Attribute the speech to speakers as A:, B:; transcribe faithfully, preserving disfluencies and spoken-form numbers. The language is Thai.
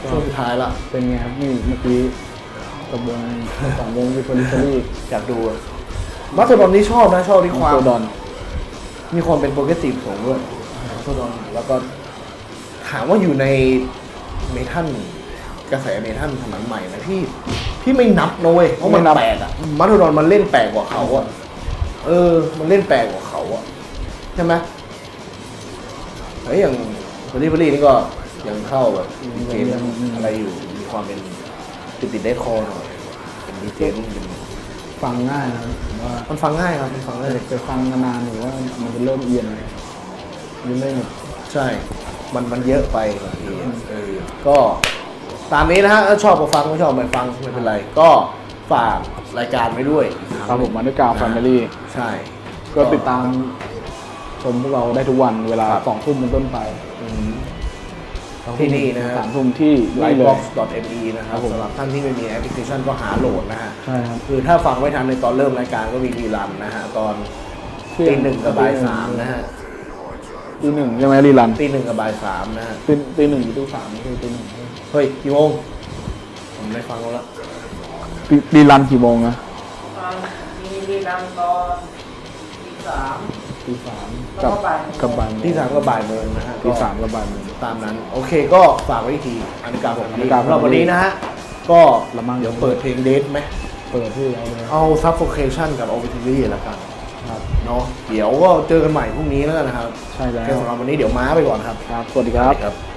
A: ช่วงสุดท้ายละ
B: เป็นไงครับนี่เมื่อกี้กับวงสองวงวิฟอริซอรี่
A: อยากดูมาสเตอร์ดอนนี่ชอบนะชอบที่ความ
B: โซดอน
A: มีความเป็นโปรเกรสซีฟสูงด้วยมาสเตอร์ดอนแล้วก็ถามว่าอยู่ในเมทัลกระแสเมทัลสมัยใหม่นะพี่พี่ไม่นับนะเว้ยเพราะมันแปลกอะมาสเตอร์ดอนมันเล่นแปลกกว่าเขาอะเออมันเล่นแปลกกว่าเขาอะใช่ไหมเฮ้ยอย่างคนที่พลีนี่ก็ยังเข้าแบบดีเจอะไรอยู่มีความเป็นติดติดเดทคอร์หน่อยเป็นดีเจรุ่นหนึ่ง
B: ฟังง่ายนะครับผมว่า
A: มันฟังง่ายครับมันฟังง่าย
B: ไปฟังนานๆหรือว่ามันจะเริ่มเอียนเลยยังไม่หมด
A: ใช่ มันมันเยอะไปบางทีเออก็ตามนี้นะฮะถ้าชอบก็ฟังไม่ชอบไม่ฟังไม่เป็นไร ก็ฝากรายการไว้ด้วย
B: ครับผมมาด้วยกาวแฟมิลี่
A: ใช่
B: ก็ติดตามชมพวกเราได้ทุกวันเวลาสองทุ่มเป็นต้นไป
A: อืมที่นี่นะฮะ
B: สามทุ่มที่
A: ไล
B: นี่
A: ฟ์
B: เล
A: บ็อก
B: ย
A: ซ์ ดอท เอ็ม อี นะครับ
B: ครับผม
A: สำหรับท่านที่ไม่มีแอปพลิเคชันก็หาโหลดนะฮะ
B: ใช่ครับ
A: คือถ้าฟังไม่ทันในตอนเริ่มรายการก็มีรีรันนะฮะ ตอนตีหนึ่งกับบ่ายสามนะฮะ
B: ตีหนึ่งใช่ไหมรีรัน
A: ตีหนึ่งกับบ่ายสามนะฮะ
B: ตีตีหนึ่งหรือตีสามไม่ใช่ตีหนึ่ง
A: เฮ้ยกี่โมงผมไม่ฟังแล้วละ
B: ตีรีรันกี่โมงนะ
C: มีรีรันตอนตีสาม
B: ตีสาม
C: แล้ว
B: กับ
C: ก็บ่าย
B: กับบ่ายโมง
A: ที่สามก็บ่ายโมงนะฮะ
B: ตีสามกับบ่ายโมง
A: ตามนั้น โอเคก็ฝากไว้อีกทีอันนี้การผม
B: อันนี้การผม
A: เราวันนี้นะฮะ ก็
B: ละมั่ง
A: เดี๋ยวเปิดเพลงเดทไหม
B: เปิดที่เอาเลย
A: เอา Suffocation กับ Obituary แล้วกัน
B: ครับ
A: เนาะเดี๋ยวก็เจอกันใหม่พรุ่งนี้แล้วกันนะครับ
B: ใช่แล้ว
A: แค่สำหรับวันนี้เดี๋ยวม้าไปก่อนครับ
B: ครับสวัสดีครับ
A: ครับ